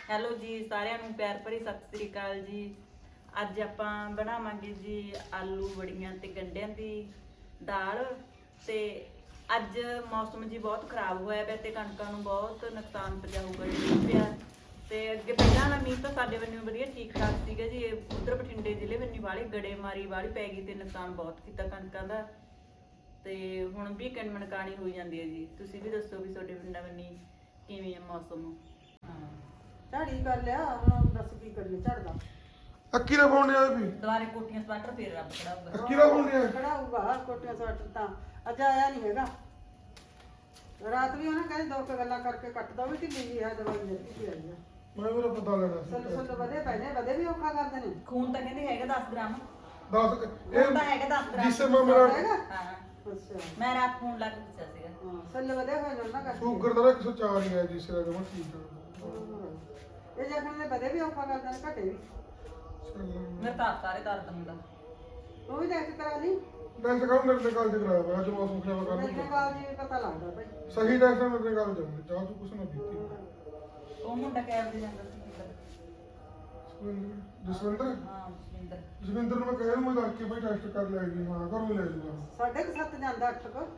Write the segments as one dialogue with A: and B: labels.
A: Hello ਜੀ ਸਾਰਿਆਂ ਨੂੰ ਪਿਆਰ ਭਰੀ ਸਤਿ ਸ੍ਰੀ ਅਕਾਲ ਜੀ। ਅੱਜ ਆਪਾਂ ਬਣਾਵਾਂਗੇ ਜੀ ਆਲੂ ਵੜੀਆਂ ਤੇ ਗੰਢਿਆਂ ਦੀ ਦਾਲ। ਤੇ ਅੱਜ ਮੌਸਮ ਜੀ ਬਹੁਤ ਖਰਾਬ ਹੋਇਆ ਪਿਆ ਤੇ ਕਣਕਾਂ ਨੂੰ ਬਹੁਤ ਨੁਕਸਾਨ ਪਹੁੰਚਾਊਗਾ ਜੀ ਪਿਆ। ਤੇ ਅੱਗੇ ਪਹਿਲਾਂ ਵਾਲਾ ਮੀਂਹ ਤਾਂ ਸਾਡੇ ਵੱਲੋਂ ਵਧੀਆ ਠੀਕ ਠਾਕ ਸੀਗਾ ਜੀ। ਉਧਰ ਬਠਿੰਡੇ ਜ਼ਿਲ੍ਹੇ ਵੱਲੋਂ ਵਾਲੀ ਗੜੇਮਾਰੀ ਵਾਲੀ ਪੈ ਗਈ ਤੇ ਨੁਕਸਾਨ ਬਹੁਤ ਕੀਤਾ ਕਣਕਾਂ ਦਾ। ਤੇ ਹੁਣ ਵੀ ਕਣਮਣਕਾਣੀ ਹੋਈ ਜਾਂਦੀ ਹੈ ਜੀ। ਤੁਸੀਂ ਵੀ ਦੱਸੋ ਵੀ ਤੁਹਾਡੇ ਪਿੰਡਾਂ ਵੱਲੋਂ ਕਿਵੇਂ ਹੈ ਮੌਸਮ?
B: ਝਾੜੀ ਕਰ ਲਿਆ ਹੁਣ ਦੱਸ ਕੀ ਕਰੀਏ ਝੜਦਾ
C: ਅੱਕੀ ਦਾ ਫੋਨ ਆ ਵੀ
A: ਦੁਬਾਰੇ ਕੋਠੀਆਂ ਸਵਾਟਰ ਫੇਰ ਰੱਬ ਖੜਾਊਗਾ।
C: ਅੱਕੀ ਦਾ ਫੋਨ ਆ
B: ਖੜਾਊਗਾ ਕੋਟੀਆਂ ਸਵੈਟਰ ਤਾਂ ਅੱਜ ਆਇਆ ਨਹੀਂ ਹੈਗਾ। ਰਾਤ ਵੀ ਉਹਨਾਂ ਕਹਿੰਦੇ ਦੋ ਕੁ ਗੱਲਾਂ ਕਰਕੇ ਕੱਟ ਦੋ ਵੀ ਢਿੱਲੀ ਜੀ ਆ ਦਵਾਈ ਦਿੱਤੀ ਸੀ ਆਈ ਆ।
C: ਮੈਂ ਉਹਦਾ ਪਤਾ ਲੈਣਾ
B: ਸੁੱਲ ਸੁੱਲ ਵਧੇ ਪਏ ਨੇ ਵਧੇ ਵੀ ਔਖਾ ਕਰਦੇ ਨੇ।
A: ਖੂਨ ਤਾਂ ਕਹਿੰਦੇ ਹੈਗਾ 10 ਗ੍ਰਾਮ।
C: 10
A: ਖੂਨ ਤਾਂ ਹੈਗਾ 10 ਗ੍ਰਾਮ।
C: ਜਿਸ ਮੈਂ ਮੇਰਾ
B: ਹੈਗਾ
A: ਹਾਂ
B: ਅੱਛਾ
A: ਮੈਂ ਰਾਤ ਫੋਨ ਲਾ ਕੇ ਪੁੱਛਿਆ ਸੀਗਾ।
B: ਹਾਂ ਸੁੱਲ ਵਧੇ ਹੋਏ ਨੇ ਉਹਨਾਂ ਕਰਕੇ
C: ਸ਼ੂਗਰ ਦਾ 104 ਹੀ ਹੈ ਜਿਸ ਦਾ ਜਮਾ ਠੀਕ ਹੈ।
B: ਇਹ ਜਖਣ ਦੇ ਵਧੇ ਵੀ ਔਖਾ ਕਰਦੇ ਨੇ ਘਟੇ ਵੀ।
A: ਮੇਰੇ ਤਾਂ ਸਾਰੇ ਦਰਦ ਹੁੰਦਾ।
B: ਉਹ ਵੀ ਦੇਖ ਕਰਾ ਲਈ
C: ਡੈਕਸ ਕਾਲ ਮੇਰੇ ਕਾਲ ਤੇ ਕਰਾਇਆ ਵਾ ਅੱਜ ਮੌਸਮ ਖਰਾਬ ਕਰ
B: ਮੇਰੇ
C: ਦਿੱਤਾ
B: ਨਾਲ ਜੀ ਪਤਾ ਲੱਗਦਾ ਭਾਈ।
C: ਸਹੀ ਡੈਕਸ ਮੇਰੇ ਕਾਲ ਜਾਉਂਦੇ ਚਾਹ ਤੂੰ ਕੁਛ ਨਾ ਪੀਤੀ।
A: ਉਹ ਮੁੰਡਾ ਕੈਬ ਦੇ ਜਾਂਦਾ ਸੀ ਕਿੱਧਰ?
C: ਜਸਵਿੰਦਰ
A: ਹਾਂ ਸੁਰਿੰਦਰ।
C: ਜਸਵਿੰਦਰ ਨੂੰ ਮੈਂ ਕਹਿਆ ਮੈਂ ਕਰਕੇ ਭਾਈ ਟੈਸਟ ਕਰ ਲਿਆ ਜੀ ਹਾਂ ਘਰੋਂ ਹੀ ਲੈ ਜੂਗਾ।
B: 7:30 ਜਾਂਦਾ 8 ਕੋ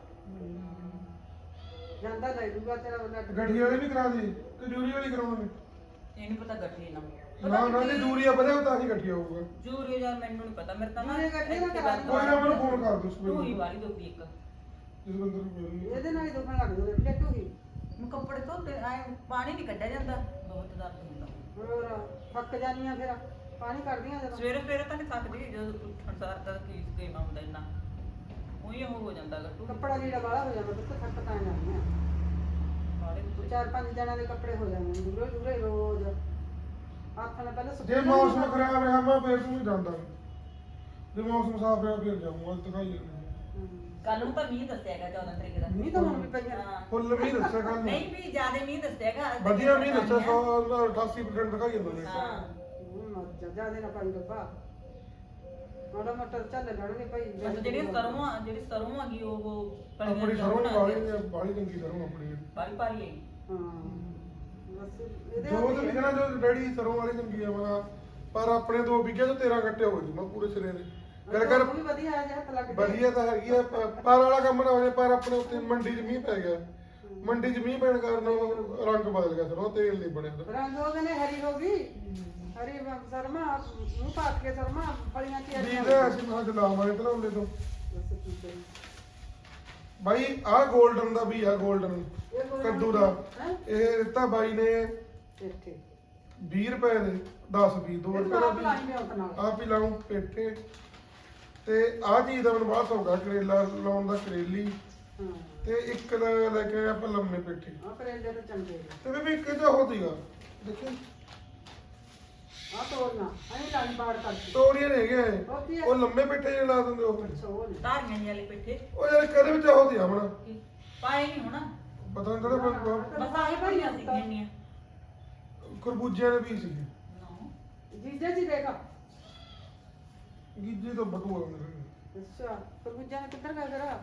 B: ਜਾਂਦਾ ਲੈ ਜੂਗਾ ਤੇਰਾ ਉਹਨਾਂ
C: ਗੱਡੀ ਵਾਲੀ ਵੀ ਕਰਾ ਦੀ ਤੇ ਡਿਊਰੀ ਵਾਲੀ ਕਰਾਉਣੀ
A: ਇਹਨੂੰ ਪਤਾ ਗੱਠੀ ਨਾ
C: ਨਾ ਨਾ ਜੇ ਦੂਰੀਆ ਵਧੇ ਤਾਂ ਹੀ ਇਕੱਠੀ ਹੋਊਗਾ।
A: ਜੂਰੀ ਯਾਰ ਮੈਨੂੰ ਨਹੀਂ ਪਤਾ। ਮੇਰੇ ਤਾਂ ਨਾ
B: ਜੂਰੀ ਗੱਠੀ ਨਾ ਕਰਾ ਲਈ।
C: ਕੋਈ ਨਾ ਮੈਨੂੰ ਫੋਨ ਕਰ ਦੋ
A: ਤੂੰ ਹੀ ਵਾਲੀ ਦੋਗੀ ਇੱਕ।
C: ਜਸਵਿੰਦਰ ਨੂੰ ਬੋਲੀ
B: ਇਹਦੇ ਨਾਲ ਹੀ ਦੁਖਣ ਲੱਗ ਜੂਗਾ ਪਲੇਟੂ ਹੀ
A: ਮੈਂ ਕੱਪੜੇ ਧੋਤੇ ਆਏ ਪਾਣੀ ਨਹੀਂ ਕੱਢਿਆ ਜਾਂਦਾ ਬਹੁਤ ਦਰਦ ਹੁੰਦਾ।
B: ਹੋਰ ਥੱਕ ਜਾਨੀਆਂ ਫਿਰ ਪਾਣੀ ਕੱਢਦੀਆਂ ਜਦੋਂ
A: ਸਵੇਰੇ ਸਵੇਰੇ ਤਾਂ ਨਹੀਂ ਥੱਕਦੀ ਜਦੋਂ ਉੱਠਣ ਸਾਰ ਤਾਂ ਕੀ ਗੇਮ ਹੁੰਦਾ ਇੰਨਾ ਉਹੀ ਉਹ ਹੋ ਜਾਂਦਾ ਗੱਟੂ
B: ਕੱਪੜਾ ਲੀੜਾ ਵਾਲਾ ਹੋ ਜਾਂਦਾ ਤੇ ਥੱਕ ਤਾਂ ਜਾਂਦੀਆਂ।
A: ਸਾਰੇ
B: ਚਾਰ ਪੰਜ ਜਣਾਂ ਦੇ ਕੱਪੜੇ ਹੋ ਜਾਂਦੇ ਨੇ ਦੂਰੇ ਦੂਰੇ ਰੋਜ਼ ਹੱਥ ਨਾਲ ਪਹਿਲਾਂ
C: ਜੇ ਮੌਸਮ ਖਰਾਬ ਰਿਹਾ ਮੈਂ ਫੇਰ ਤੂੰ ਜਾਂਦਾ ਜੇ ਮੌਸਮ ਸਾਫ਼ ਰਿਹਾ ਫਿਰ ਜਾਊਂਗਾ ਦਿਖਾਈ ਜਾਂਦੇ
A: ਕੱਲ ਨੂੰ ਤਾਂ ਮੀਂਹ ਦੱਸਿਆਗਾ 14 ਤਰੀਕ ਦਾ।
B: ਨਹੀਂ ਤਾਂ ਹੁਣ ਵੀ ਪਈਆਂ
A: ਹਾਂ।
C: ਫੁੱਲ ਵੀ ਦੱਸਿਆ ਕੱਲ
A: ਨਹੀਂ ਵੀ ਜ਼ਿਆਦਾ ਮੀਂਹ ਦੱਸਿਆਗਾ।
C: ਵਧੀਆ ਵੀ ਦੱਸਿਆ 88% ਦਿਖਾਈ ਜਾਂਦਾ ਨੇ
A: ਹਾਂ
B: ਜਿਆਦਾ ਨਾ ਪਾਈ ਰੱਬਾ ਮਾੜਾ ਮੋਟਾ ਚੱਲ ਲੈਣਗੇ ਭਾਈ।
A: ਬਸ ਜਿਹੜੀ ਸਰੋਂ ਹੈਗੀ ਉਹ
C: ਆਪਣੀ ਸਰੋਂ ਬਾਲੀ ਚੰਗੀ ਸਰੋਂ ਆਪਣੀ
A: ਬਾਲੀ ਭਾਰੀ ਹੈਗੀ।
B: ਹਾਂ ਬਸ ਇਹਦੇ
C: ਜੋ ਤੇ ਲਿਖਣਾ ਜੋ ਡੈਡੀ ਸਰੋਂ ਵਾਲੀ ਚੰਗੀ ਆ ਮੈਂ ਪਰ ਆਪਣੇ 2 ਵਿਗੇ ਤੋਂ 13 ਗੱਟੇ ਹੋ ਜੂ ਮੈਂ ਪੂਰੇ ਸਿਰੇ ਦੇ ਕਰ
B: ਉਹ ਵੀ ਵਧੀਆ ਆ ਜੇ ਹੱਥ ਲੱਗ
C: ਵਧੀਆ ਤਾਂ ਹੈਗੀ ਆ ਪਰ ਵਾਲਾ ਕੰਮ ਨਾ ਹੋ ਜਾਏ ਪਰ ਆਪਣੇ ਉੱਤੇ ਮੰਡੀ 'ਚ ਮੀਂਹ ਪੈ ਗਿਆ ਮੰਡੀ 'ਚ ਮੀਂਹ ਪੈਣ ਕਾਰਨ ਰੰਗ ਬਦਲ ਗਿਆ ਸਰੋਂ ਤੇਲ ਨਹੀਂ ਬਣਿਆ
B: ਰੰਗ ਹੋ ਗਏ ਨੇ ਹਰੀ ਹੋ ਗਈ ਹਰੀ ਸਰਮਾ ਮੂੰਹ ਪਾਟ ਕੇ ਸਰਮਾ ਫਲੀਆਂ ਚ
C: ਵੀ ਤੇ ਅਸੀਂ ਮਹਾਂ ਚਲਾਵਾਂਗੇ ਤਲਾਉਲੇ ਤੋਂ
B: ਬਸ ਕੀ ਕਰੀ
C: ਬਾਈ ਆਹ 골ਡਨ ਦਾ ਵੀ ਆ 골ਡਨ ਕੱਦੂ ਦਾ ਇਹ ਦਿੱਤਾ ਬਾਈ ਨੇ
B: ਇੱਥੇ
C: 20 ਰੁਪਏ ਦੇ 10 20 2 ਰੁਪਏ ਦਾ
B: ਲਾਈ ਮੈਂ ਉਸ ਨਾਲ
C: ਆਪ ਹੀ ਲਾਉਂ ਪੇਠੇ ਤੇ ਆਹ ਚੀਜ਼ ਦਾ ਮੈਨੂੰ ਬਹੁਤ ਸੌਗਾ ਕਰੇਲਾ ਲਾਉਣ ਦਾ ਕਰੇਲੀ
B: ਹਾਂ
C: ਤੇ ਇੱਕ ਦਾ ਲੈ ਕੇ ਆਏ ਆਪਾਂ ਲੰਮੇ ਪੇਠੇ
B: ਆ ਕਰੇਲੇ ਤਾਂ ਚੰਗੇ ਨੇ
C: ਤੇ ਵੀ ਇੱਕ ਜਿਹਾ ਹੋ ਸੀਗਾ ਦੇਖੀ
B: ਆ ਤੋੜਨਾ ਅਸੀਂ ਲਾਈ ਬਾੜ ਕਰਤੀ
C: ਤੋੜੀਆਂ ਨੇ ਗਏ
B: ਉਹ ਕੀ ਹੈ?
C: ਉਹ ਲੰਮੇ ਪੇਠੇ ਜਿਹੜੇ ਲਾ ਦਿੰਦੇ ਉਹ
B: ਅੱਛਾ ਉਹ ਨੇ
A: ਧਾਰੀਆਂ ਜਿਹੇ ਵਾਲੇ ਪਿੱਠੇ
C: ਉਹ ਯਾਰ ਕਦੇ ਵਿੱਚ ਹੋ ਦਿਆ ਮਣਾ
A: ਪਾਏ ਨਹੀਂ ਹੋਣਾ।
C: ਪਤਾ ਨਹੀਂ ਕਿਹੜਾ
A: ਬਸ ਆਹੀ ਭਰੀਆਂ ਸੀ ਕਿੰਨੀਆਂ
C: ਖਰਬੂਜਿਆਂ ਦੇ ਵੀ ਸੀਗੇ
B: ਜੀਜਾ ਜੀ ਦੇਖਾ
C: ਗੀਜੇ ਤੋਂ ਬਟੂਆ ਮੇਰੇ
B: ਅੱਛਾ ਤਰਬੂਜਾ ਨੇ ਕਿੱਧਰ ਗਿਆ ਜਰਾ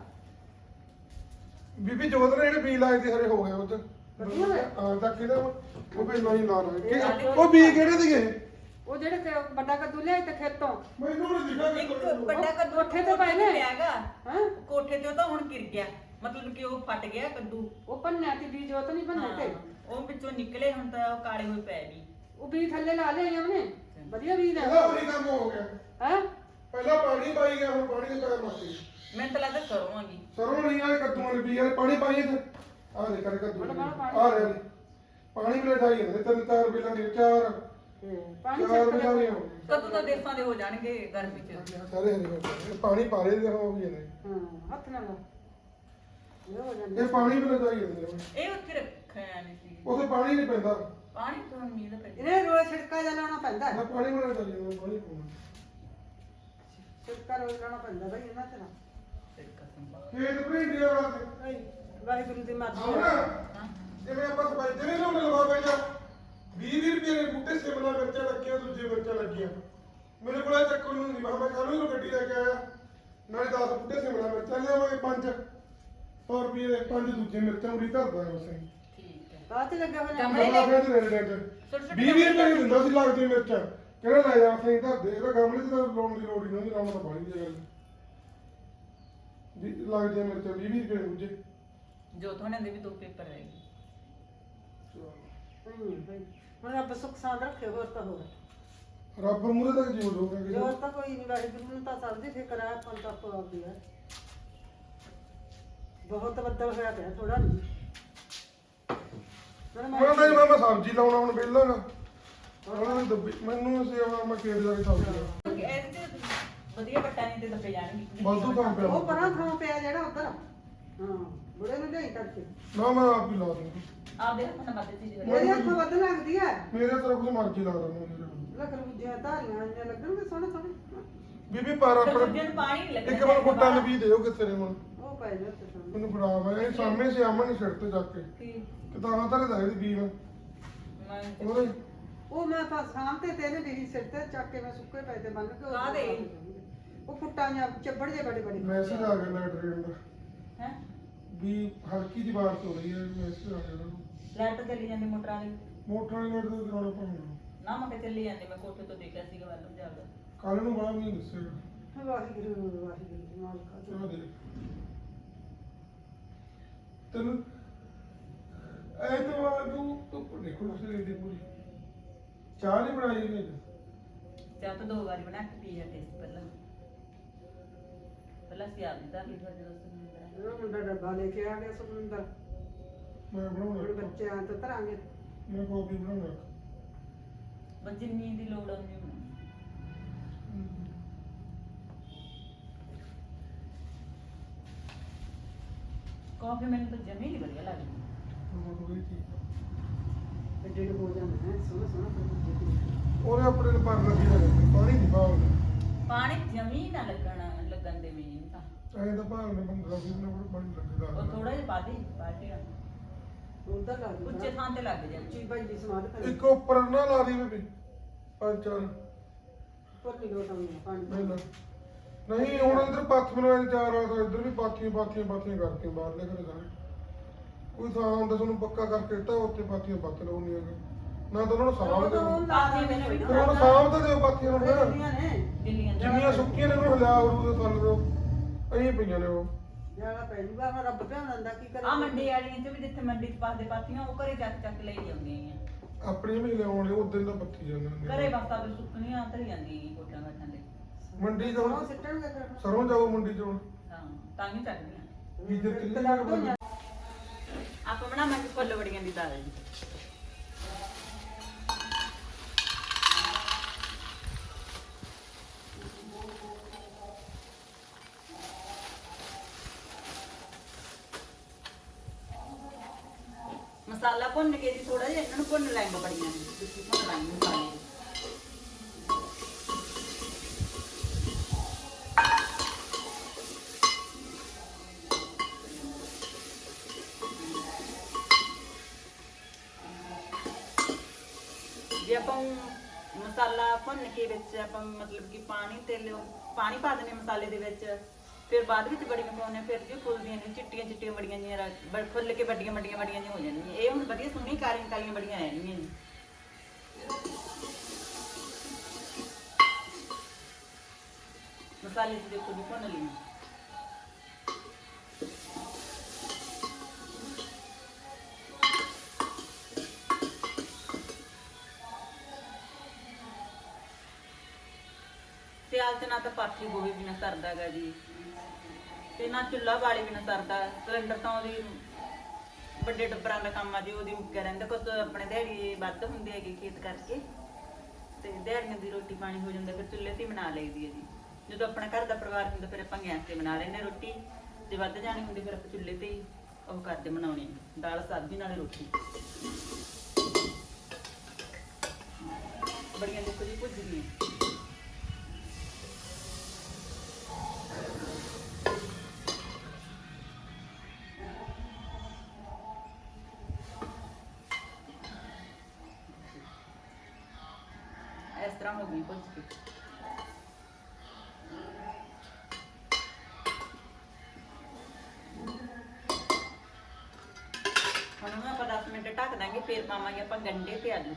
C: ਬੀਬੀ ਜੋਤ ਨੇ ਜਿਹੜੇ ਬੀ ਲਾਏ ਤੇ ਹਰੇ ਹੋ ਗਏ ਉਹ ਤੇ
B: ਵਧੀਆ ਹੋਏ?
C: ਹਾਂ ਤਾਂ ਕਿਹਦਾ ਉਹ ਵੀ ਨਹੀਂ ਲਾ ਰਹੇ ਉਹ ਬੀ ਕਿਹੜੇ ਸੀਗੇ
B: ਉਹ ਜਿਹੜੇ ਵੱਡਾ ਕੱਦੂ ਲਿਆਏ ਤੇ ਖੇਤੋਂ
C: ਮੈਨੂੰ ਨਹੀਂ ਦਿਖਾ
A: ਇੱਕ ਵੱਡਾ ਕੱਦੂ
B: ਕੋਠੇ ਤੇ ਪਏ ਨੇ।
A: ਪਿਆਗਾ
B: ਹਾਂ
A: ਕੋਠੇ ਤੇ ਉਹ ਤਾਂ ਹੁਣ ਗਿਰ ਗਿਆ ਮਤਲਬ ਕਿ ਉਹ ਫਟ ਗਿਆ ਕੱਦੂ।
B: ਉਹ ਪੰਨਿਆ ਤੇ ਬੀਜ ਉਹ ਤਾਂ ਨਹੀਂ ਪੰਨੇ ਤੇ
A: ਉਹ ਵਿੱਚੋਂ ਨਿਕਲੇ ਹੁਣ ਤਾਂ ਉਹ ਕਾਲੇ ਹੋਏ ਪੈ ਵੀ।
B: ਉਹ ਬੀਜ ਥੱਲੇ ਲਾ ਲਿਆ ਉਹਨੇ ਵਧੀਆ ਬੀਜ
C: ਇਹਦਾ
B: ਹੈ
C: ਉਹੀ ਕੰਮ ਹੋ ਗਿਆ
B: ਹੈ
C: ਪਹਿਲਾਂ ਪਾਣੀ ਪਾਈ ਗਿਆ ਹੁਣ ਪਾਣੀ ਦੇ ਪੈਰ ਮਾਰਦੇ
A: ਮੈਨੂੰ ਤਾਂ ਲੱਗਦਾ ਸਰੋਂ ਹੈਗੀ।
C: ਸਰੋਂ ਨਹੀਂ ਆ ਕੱਦੂਆਂ ਦੇ ਬੀ ਵਾਲੇ ਪਾਣੀ ਪਾਈਏ ਤੇ ਆ ਦੇ ਕਰ ਕੱਦੂ ਆ ਰਿਹਾ ਪਾਣੀ ਵੀ ਲੈ ਜਾਈਏ ਤਿੰਨ ਚਾਰ ਬਿਲਾਂ ਦੀ ਚਾਰ
B: ਪਾਣੀ
C: ਚਾਰ
B: ਚੱਕ
C: ਬਿਲਾਂ
B: ਲਿਆ
C: ਦੀਆਂ
A: ਕਦੋਂ ਤਾਂ ਦੇਸਾਂ ਦੇ ਹੋ ਜਾਣਗੇ ਗਰਮੀ ਚ।
C: ਸਾਰੇ ਹਰੇ ਹੋ ਗਏ ਪਾਣੀ ਪਾ ਰਹੇ ਦੇ ਹੋ ਵੀ ਨੇ
B: ਹਾਂ ਹੱਥ ਨਾਲ ਇਹ ਹੋ ਜਾਂਦਾ
C: ਇਹ ਪਾਣੀ ਵੀ ਲੈ ਜਾਈਏ
A: ਇਹ ਉੱਥੇ ਰੱਖਿਆ ਨਹੀਂ ਸੀ
C: ਉਥੇ ਪਾਣੀ ਨਹੀਂ ਪੈਂਦਾ
A: ਪਾਣੀ ਤੋਂ ਹੁਣ ਮੀਂਹ ਦਾ ਪੈ
B: ਇਹਨੇ ਰੋਜ਼ ਛਿੜਕਾ ਜਿਹਾ ਲਾਉਣਾ ਪੈਂਦਾ
C: ਨਾ ਪਾਣੀ ਵੀ ਲੈ ਜਾਈਏ ਪਾਣੀ ਪਾਉਣਾ
B: ਛਿੜਕਾ ਰੋਜ਼ ਲਾਉਣਾ ਪੈਂਦਾ ਬਈ ਇਹਨਾਂ ਤੇ ਨਾ
C: ਖੇਤ ਭਰੀਂਦੀਆਂ ਵਾਸਤੇ
B: ਭਾਈ ਵਾਹਿਗੁਰੂ ਦੀ ਮਰਜ਼ੀ
C: ਆਉਣਾ
A: ਹਾਂ
C: ਜਿਵੇਂ ਆਪਾਂ ਸਪਾਈਦੇ ਨਹੀਂ ਲਾਉਣੇ ਲਵਾ ਪੈਂਦਾ 20 ਰੁਪਏ ਦੇ ਬੂਟੇ ਸਿਮਲਾ ਮਿਰਚਾਂ ਲੱਗੀਆਂ ਦੂਜੇ ਮਿਰਚਾਂ ਲੱਗੀਆਂ ਮੇਰੇ ਕੋਲ ਇਹ ਚੱਕਰ ਨੂੰ ਨਹੀਂ ਮੈਂ ਕੱਲ ਨੂੰ ਗੱਡੀ ਲੈ ਕੇ ਆਇਆ ਨਾਲੇ 10 ਬੂਟੇ ਸਿਮਲਾ ਮਿਰਚਾਂ ਲਿਆਵਾਂਗੇ 5 100 ਰੁਪਏ ਦੇ 5 ਦੂਜੇ ਮਿਰਚਾਂ ਉਰੀ ਧਰਦਾ ਹੈ ਉਸੇ
A: ਠੀਕ ਹੈ।
B: ਬਾਅਦ ਚ ਲੱਗੇ ਹੋਏ ਨੇ
A: ਗਮਲੇ
C: ਗਮਲਾ ਪਿਆ ਤੇ ਰੇਡ ਰੇਡ
A: ਛੋਟੇ
C: 20 ਰੁਪਏ ਦੀ ਦਿੰਦਾ ਸੀ ਲੱਗਦੀ ਮਿਰਚਾਂ ਕਹਿੰਦਾ ਲੈ ਜਾ ਸਹੀ ਧਰ ਦੇ ਇਹਦਾ ਗਮਲੇ 'ਚ ਤਾਂ ਲਾਉਣ ਦੀ ਲੋੜ ਹੀ ਨਹੀਂ ਲਾਉਣਾ ਤਾਂ ਬਾਹਲੀ ਦੀ ਗੱਲ ਵੀ ਲੱਗਦੀਆਂ ਮਿਰਚਾਂ 20 ਰੁਪਏ ਦੂਜੇ
A: ਜੋਤ ਹੋਣੇ ਦੇ ਵੀ 2 ਪੇਪਰ ਰਹਿ ਗਏ।
B: ਹੁਣ ਰੱਬ ਸੁੱਖ ਸਾਂਦ ਰੱਖੇ ਹੋਰ ਤਾਂ ਹੋਰ
C: ਰੱਬ ਮੂਰੇ ਤੱਕ ਜੀਵ ਹੋਗਾ ਕਿ
B: ਜੋਰ ਤਾਂ ਕੋਈ ਨਹੀਂ ਵਾਹਿਗੁਰੂ ਨੂੰ ਤਾਂ ਸਭ ਦੀ ਫਿਕਰ ਹੈ ਆਪਾਂ ਨੂੰ ਤਾਂ ਆਪੋ ਆਪਦੀ ਹੈ ਬਹੁਤ ਬੱਦਲ ਹੋਇਆ ਪਿਆ ਥੋੜਾ ਨਹੀਂ
C: ਮੈਂ ਸਬਜ਼ੀ ਲਾਉਣਾ ਹੁਣ ਵਿਹਲਾ ਨਾ ਉਹਨਾਂ ਦੀ ਦੱਬੀ ਮੈਨੂੰ ਸੇਵਾ ਮੈਂ ਖੇਤ ਜਾ ਕੇ ਸਬਜ਼ੀ ਲਾ
A: ਇਹਦੇ ਤੇ ਵਧੀਆ ਪੱਟਾਂ ਦੇ ਦੱਬੇ ਜਾਣਗੇ।
C: ਵਾਧੂ ਕੰਮ ਪਿਆ
B: ਉਹ ਪਰਾਂ ਥਾਂ ਪਿਆ ਜਿਹੜਾ ਉੱਧਰ ਹਾਂ ਬੁੜੇ ਨੂੰ ਲਿਆਈ ਕਰਕੇ
C: ਨਾ ਮੈਂ ਆਪ ਹੀ ਲਾ ਦੂੰਗਾ
A: ਆਪਦੇ ਹੱਥ ਨਾਲ ਮਦਦ ਚੀਜ਼
B: ਮੇਰੇ ਹੱਥ ਵੱਧ ਲੱਗਦੀ ਹੈ
C: ਮੇਰੇ ਤਰ੍ਹਾਂ ਕੁਝ ਮਰਜ਼ੀ ਲਾ ਦੂੰਗਾ
B: ਲੱਕੜ ਬੁੱਝਿਆ ਧਾਰੀਆਂ ਇੰਨੀਆਂ ਲੱਗਣਗੇ ਸੋਹਣੇ ਸੋਹਣੇ
C: ਬੀਬੀ ਪਰ
A: ਦੂਜੇ
C: ਆਪਣੇ
A: ਨੂੰ ਪਾਣੀ ਨਹੀਂ ਲੱਗਣਾ
C: ਇੱਕ ਵਾਰ ਫੁੱਟਾਂ ਨੂੰ ਵੀ ਦਿਓ ਕਿੱਥੇ ਨੇ ਹੁਣ
B: ਉਹ ਪੈ ਜਾ ਤੇ ਸੋਹਣੇ
C: ਮੈਨੂੰ ਫੜਾ ਮੈਂ ਇਹ ਸਾਹਮਣੇ ਸੇ ਆਮਣ ਛੱਡ ਤੇ ਜਾ ਕੇ
A: ਕੀ
C: ਕਿਤਾਬਾਂ ਧਰੇ ਦਾ ਇਹਦੀ ਬੀਵ
A: ਮੈਂ
C: ਉਹਦੇ
B: ਉਹ ਮੈਂ ਤਾਂ ਸਾਹਮਣੇ ਤੇਰੇ ਵੀ ਸਿਰ ਤੇ ਚੱਕ ਕੇ ਮੈਂ ਸੁੱਕੇ ਪੈ ਤੇ ਬੰਨ ਕੇ ਉਹ
A: ਕਾਹਦੇ?
B: ਉਹ ਫੁੱਟਾਂ ਜਾਂ ਚੱਬੜ ਜੇ ਬੜੇ ਬੜੇ
C: ਮੈਸੇਜ ਆ ਗਿਆ ਲੈਟ ਰੇਨ ਦਾ
A: ਹੈ
C: ਵੀ ਹਲਕੀ ਦੀ ਬਾਰਿਸ਼ ਹੋ ਰਹੀ ਹੈ ਮੈਸੇਜ ਆ ਗਿਆ ਉਹਨਾਂ ਨੂੰ
A: ਲਾਈਟ ਚੱਲੀ ਜਾਂਦੀ ਮੋਟਰਾਂ ਦੀ
C: ਮੋਟਰ ਵਾਲੀ ਲੈਟ ਤੋਂ ਕਰਾਉਣਾ ਪਾਉਣਾ
A: ਨਾ ਮੈਂ ਕਿਹਾ ਚੱਲੀ ਜਾਂਦੀ ਮੈਂ ਕੋਠੇ ਤੋਂ ਦੇਖਿਆ ਸੀਗਾ ਵੱਲ ਜਾਂਦਾ
C: ਕੱਲ ਨੂੰ ਬੜਾ ਨਹੀਂ ਦੱਸੇਗਾ
B: ਵਾਹਿਗੁਰੂ ਵਾਹਿਗੁਰੂ ਮਾਲਕਾ
C: ਚਲੋ ਦੇ ਤੈਨੂੰ ਐਤਵਾਰ ਨੂੰ ਤੂੰ ਦੇਖੋ ਉਸੇ ਦੀ ਪੂਰੀ ਚਾਹ ਨਹੀਂ ਬਣਾਈ ਗਈ
A: ਚਾਹ ਤਾਂ 2 ਵਾਰੀ ਬਣਾ ਕੇ ਪੀ ਹੈ ਟੇਸਟ ਪਹਿਲਾਂ ਸੀ ਆਪ ਦੀ ਤਾਂ ਲੀਟਰ ਦੇ ਦੋਸਤ ਨੂੰ ਬਣਾਇਆ
B: ਉਹ ਮੁੰਡਾ ਡੱਬਾ ਲੈ ਕੇ ਆ ਗਿਆ ਸੁਖਮਿੰਦਰ
C: ਮੈਂ
B: ਹੁਣ
C: ਬਣਾਉਣਾ
B: ਬੱਚੇ ਆਂ ਤਾਂ ਧਰਾਂਗੇ
C: ਮੈਂ ਕਾਫੀ ਬਣਾਉਣਾ
A: ਬਸ ਜਿੰਨੀ ਦੀ ਲੋੜ ਆਉਂਦੀ ਹੈ ਕਾਫੀ ਮੈਨੂੰ ਤਾਂ ਜਮੀ ਨਹੀਂ ਵਧੀਆ ਲੱਗਦੀ
B: ਐਡੇ ਐਡੇ ਹੋ ਜਾਂਦੇ ਹੈ ਸੋਹਣਾ ਸੋਹਣਾ ਫਿਰ
C: ਉਹਨੇ ਆਪਣੇ ਨੂੰ ਪਰ ਲੱਗੀ ਹੋਈ ਪਾਣੀ ਨਹੀਂ ਪਾਉਂਦਾ
A: ਪਾਣੀ ਜਮੀ ਨਾ ਲੱਗਣ ਦੇ ਮੈਨੂੰ ਤਾਂ
C: ਐਂ ਤਾਂ ਭਾਲ ਨੇ 15 20 ਮਿੰਟ ਪਾਣੀ ਲੱਗਦਾ
A: ਉਹ ਥੋੜਾ ਜਿਹਾ ਪਾ ਦੇ ਬਾਲਟੀ ਨਾਲ
B: ਉਧਰ ਲੱਗ
A: ਉੱਚੇ ਥਾਂ ਤੇ ਲੱਗ ਜਾਂਦੀ
B: ਚੀ ਭਾਈ ਦੀ ਸਮਾਦ ਕਰ
C: ਇੱਕ ਉੱਪਰ ਨਾ ਲਾ ਦੀ ਬੇਬੀ 5-4
B: ਪੱਲੀ ਲੋਟਾਂ ਪਾਣੀ
C: ਨਹੀਂ ਨਹੀਂ ਹੁਣ ਇਧਰ ਪੱਥ ਬਣਾਏ 4 ਆ ਤਾਂ ਇਧਰ ਵੀ ਪਾਥੀਆਂ ਕਰਤੀਆਂ ਬਾਹਰਲੇ ਘਰੇ ਸਾਰੇ ਕੋਈ ਥਾਂ ਹੁੰਦਾ ਤੁਹਾਨੂੰ ਪੱਕਾ ਕਰਕੇ ਤਾਂ ਉੱਤੇ ਪਾਥੀਆਂ ਪੱਤ ਲਾਉਣੀ ਹੈਗਾ ਨਾ ਤਾਂ ਉਹਨਾਂ ਨੂੰ ਸਾਂਭ ਦੇ
A: ਪਾਥੀਆਂ ਮੈਨੂੰ ਵੀ
C: ਫਿਰ ਹੁਣ ਸਾਂਭ ਤਾਂ ਦਿਓ ਪਾਥੀਆਂ ਨੂੰ ਫਿਰ
B: ਨੇ
A: ਦਿੱਲੀਆਂ
C: ਜਿੰਨੀਆਂ ਸੁੱਕੀਆਂ ਨੇ ਉਹਨੂੰ ਹਿਲਾ ਉਰੂ ਦੇ ਥੱਲੇ ਤੋਂ ਐਂ ਪਈਆਂ ਨੇ ਉਹ
B: ਜਿਹੜਾ ਪੈ ਜੂਗਾ ਮੈਂ ਰੱਬ ਧਿਆਨ ਦਿੰਦਾ ਕੀ ਕਰੇ
A: ਆ ਮੰਡੀ ਵਾਲੀਆਂ ਚ ਵੀ ਜਿੱਥੇ ਮੰਡੀ ਚ ਪਾਸਦੇ ਪਾਥੀਆਂ ਉਹ ਘਰੇ ਚੱਕ ਲਈ ਜਾਂਦੀਆਂ ਆ
C: ਆਪਣੀ ਵੀ ਲਿਆਉਣੇ ਉਹ ਦਿਨ ਦਾ ਪੱਤੀ ਜਾਂਦੇ ਨੇ
A: ਘਰੇ ਬਸ ਆਪੇ ਸੁੱਕਣੀਆਂ ਧਰੀ ਜਾਂਦੀਆਂ ਕੋਟਾਂ ਘਾਟਾਂ ਦੇ
C: ਮੰਡੀ ਚ
B: ਉਹ
C: ਹੁਣ
B: ਸਿੱਟਣਗੇ ਫਿਰ
C: ਸਰੋਂ ਜਾਓ ਮੰਡੀ ਚ ਹੁਣ
A: ਹਾਂ ਤਾਂ ਹੀ ਚੱਕਦੀਆਂ
C: ਵੀ ਜੇ
B: ਇੱਕ ਲੱਗ ਤੋਂ ਜਾਂ
A: ਆਪਾਂ ਬਣਾਵਾਂਗੇ ਫੁੱਲ ਵੜੀਆਂ ਦੀ ਦਾਲ ਜੀ ਮਸਾਲਾ ਭੁੰਨ ਕੇ ਜੀ ਥੋੜਾ ਜਿਹਾ ਇਹਨਾਂ ਨੂੰ ਭੁੰਨ ਲੈਂਗੇ ਬੜੀਆਂ ਤੁਸੀਂ ਭੁੰਨ ਲੈਂਗੇ ਮਸਾਲੇ ਜੇ ਆਪਾਂ ਮਸਾਲਾ ਭੁੰਨ ਕੇ ਵਿੱਚ ਆਪਾਂ ਮਤਲਬ ਕਿ ਪਾਣੀ ਪਾ ਦਿੰਦੇ ਮਸਾਲੇ ਦੇ ਵਿੱਚ ਫਿਰ ਬਾਅਦ ਵਿੱਚ ਬੜੀਆਂ ਪਾਉਂਦੇ ਫਿਰ ਜੀ ਫੁੱਲਦੀਆਂ ਨੇ ਚਿੱਟੀਆਂ ਬੜੀਆਂ ਜਿਹੀਆਂ ਫੁੱਲ ਕੇ ਵੱਡੀਆਂ ਜਿਹੀਆਂ ਹੋ ਜਾਂਦੀਆਂ ਇਹ ਹੁਣ ਵਧੀਆ ਸੋਹਣੀ ਕਾਲੀਆਂ ਬੜੀਆਂ ਰਹਿਣਗੀਆਂ ਜੀ ਮਸਾਲੇ ਚ ਦੇਖੋ ਜੀ ਭੁੰਨ ਲਈ ਸਿਆਲ ਚ ਨਾ ਤਾਂ ਪਾਥੀ ਗੋਭੀ ਬਿਨਾ ਸਰਦਾ ਗਾ ਜੀ ਤੇ ਨਾ ਚੁੱਲ੍ਹਾ ਵਾਲੀ ਬਿਨਾ ਸਰਦਾ ਸਿਲੰਡਰ ਤਾਂ ਉਹਦੀ ਵੱਡੇ ਟੱਬਰਾਂ ਦਾ ਕੰਮ ਆ ਜੀ ਉਹਦੀ ਮੁੱਕਿਆ ਰਹਿੰਦਾ ਕੁਛ ਆਪਣੇ ਦਿਹਾੜੀ ਵੱਧ ਹੁੰਦੇ ਹੈਗੇ ਖੇਤ ਕਰਕੇ ਤੇ ਦਿਹਾੜੀਆਂ ਦੀ ਰੋਟੀ ਪਾਣੀ ਹੋ ਜਾਂਦਾ ਫਿਰ ਚੁੱਲ੍ਹੇ ਤੇ ਹੀ ਬਣਾ ਲਈਦੀ ਹੈ ਜੀ ਜਦੋਂ ਆਪਣਾ ਘਰ ਦਾ ਪਰਿਵਾਰ ਹੁੰਦਾ ਫਿਰ ਆਪਾਂ ਗੈਸ ਤੇ ਬਣਾ ਲੈਂਦੇ ਰੋਟੀ ਜੇ ਵੱਧ ਜਾਣੀ ਹੁੰਦੀ ਫਿਰ ਆਪਾਂ ਚੁੱਲ੍ਹੇ ਤੇ ਹੀ ਉਹ ਕਰਦੇ ਬਣਾਉਣੀ ਦਾਲ ਸਬਜ਼ੀ ਨਾਲ ਰੋਟੀ ਬੜੀਆਂ ਦੇਖੋ ਜੀ ਭੁੱਜ ਗਈਆਂ ਇਸ ਤਰ੍ਹਾਂ ਹੋ ਗਈ ਭੁੱਜ ਕੇ ਹੁਣ ਆਪਾਂ 10 ਮਿੰਟ ਢੱਕ ਦਾਂਗੇ, ਫੇਰ ਪਾਵਾਂਗੇ ਆਪਾਂ ਗੰਢੇ ਤੇ ਆਲੂ।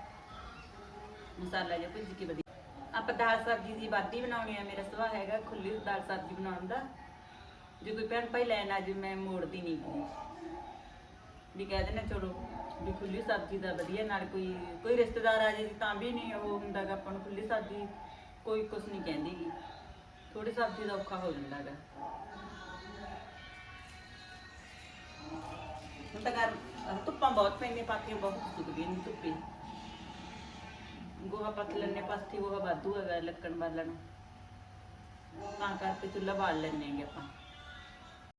A: ਮਸਾਲਾ ਜਿਹਾ ਭੁੱਜ ਕੇ ਵਧੀਆ। ਆਪਾਂ ਦਾਲ ਸਬਜ਼ੀ ਦੀ ਵਾਧੀ ਬਣਾਉਣੀ ਆ, ਮੇਰਾ ਸੁਭਾਅ ਹੈਗਾ ਖੁੱਲੀ ਦਾਲ ਸਬਜ਼ੀ ਬਣਾਉਣ ਦਾ। ਜੇ ਕੋਈ ਭੈਣ ਭਾਈ ਲੈਣ ਆ, ਜੇ ਮੈਂ ਮੋੜਦੀ ਨਹੀਂ ਗੀ ਵੀ ਕਹਿ ਦੇਣਾ ਚਲੋ ਵੀ ਖੁੱਲੀ ਸਬਜ਼ੀ ਦਾ ਵਧੀਆ। ਨਾਲ ਕੋਈ ਰਿਸ਼ਤੇਦਾਰ ਆ ਜੇ ਤਾਂ ਵੀ ਨਹੀਂ ਉਹ ਹੁੰਦਾ ਗਾ ਆਪਾਂ ਨੂੰ ਖੁੱਲੀ ਸਬਜ਼ੀ ਕੋਈ ਕੁਛ ਨਹੀਂ ਕਹਿੰਦੀ ਗੀ, ਥੋੜੀ ਸਬਜ਼ੀ ਦਾ ਔਖਾ ਹੋ ਜਾਂਦਾ ਗਾ। ਹੁਣ ਤਾਂ ਧੁੱਪਾਂ ਬਹੁਤ ਪੈਂਦੀਆਂ, ਪਾਥੀਆਂ ਬਹੁਤ ਸੁੱਕਦੀਆਂ ਨੇ ਧੁੱਪੇ। ਗੋਹਾ ਪੱਥ ਲੈਣੇ, ਪਾਥੀ ਗੋਹਾ ਵਾਧੂ ਹੈਗਾ ਲੱਕੜ ਬਾਲਣ, ਤਾਂ ਕਰਕੇ ਚੁੱਲ੍ਹਾ ਬਾਲ ਲੈਂਦੇ ਹੈਗੇ ਆਪਾਂ।